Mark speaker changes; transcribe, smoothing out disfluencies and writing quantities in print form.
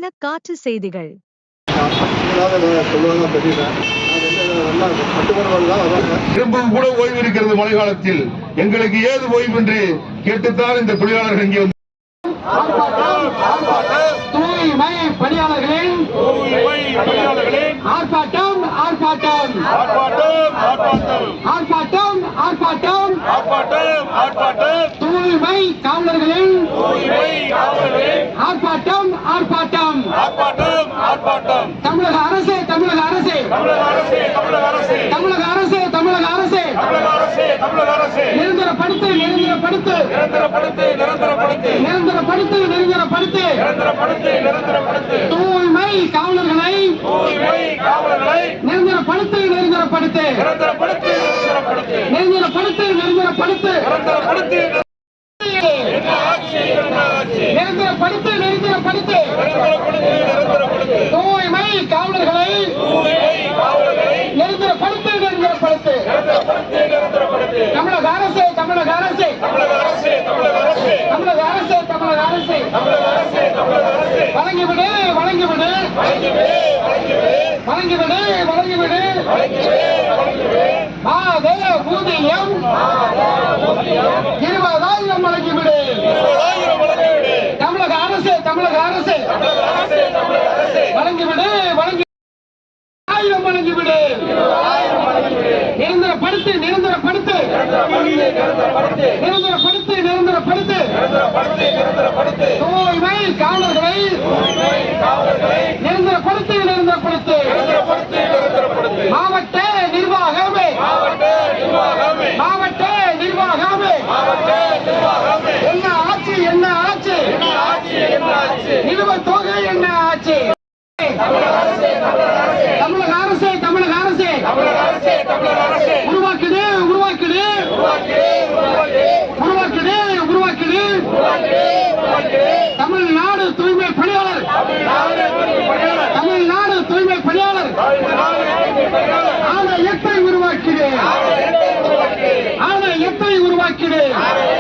Speaker 1: இன்றையன காற்று செய்திகள்.
Speaker 2: திரும்பவும் கூட ஓய்வு இருக்கிறது மழை காலத்தில். எங்களுக்கு ஏது ஓய்வு என்று கேட்டுத்தான் இந்த தொழிலாளர்கள் இங்கே
Speaker 3: தூய்மை பணியாளர்களின் ஆர்ப்பாட்டம் ஆர்ப்பாட்டம் ஆர்ப்பாட்டம் ஆர்ப்பாட்டம் தூய்மை காவலர்களின் ஆர்ப்பாட்டம் ஆர்ப்பாட்டம் தமிழக அரசு தமிழக அரசு தமிழக அரசு தமிழக அரசு நிரந்தரப்படுத்து நிரந்தரப்படுத்து நிரந்தரப்படுத்து நிரந்தரப்படுத்து தூய்மை காவலர்களை நிரந்தரப்படுத்து நிரந்தரப்படுத்து நிரந்தரப்படுத்து நிரந்தரப்படுத்து நிரந்தரப்படுத்து நிரந்தரப்படுத்து தூய்மை காவலர்களை நிரந்தரப்படுத்து நிரந்தரப்படுத்து தமிழக அரசு தமிழக அரசு தமிழக அரசு தமிழக அரசு வழங்கிவிடு வழங்கிவிடு வழங்கிவிடு வழங்கிவிடு மாத ஊதியம் 20,000 வழங்கிவிடு தமிழக அரசு தமிழக அரசு வழங்கிவிடு வழங்கி 1000 வழங்கிவிடு நிரந்தரப்படுத்து நிரந்தரப்படுத்து நிரந்தரப்படுத்து நிரந்தரப்படுத்து தூய்மை காவலர்களை நிரந்தரப்படுத்து நிரந்தரப்படுத்து மாவட்ட நிர்வாகமே மாவட்ட நிர்வாகமே என்ன ஆட்சி என்ன ஆட்சி நிலுவைத் தொகை என்ன ஆட்சி தமிழக அரசு தமிழக அரசு உருவாக்குது உருவாக்குது உருவாக்குது உருவாக்குது தமிழ்நாடு தூய்மை பணியாளர் தமிழ்நாடு தூய்மை பணியாளர் ஆணையத்தை உருவாக்குது ஆணையத்தை உருவாக்குது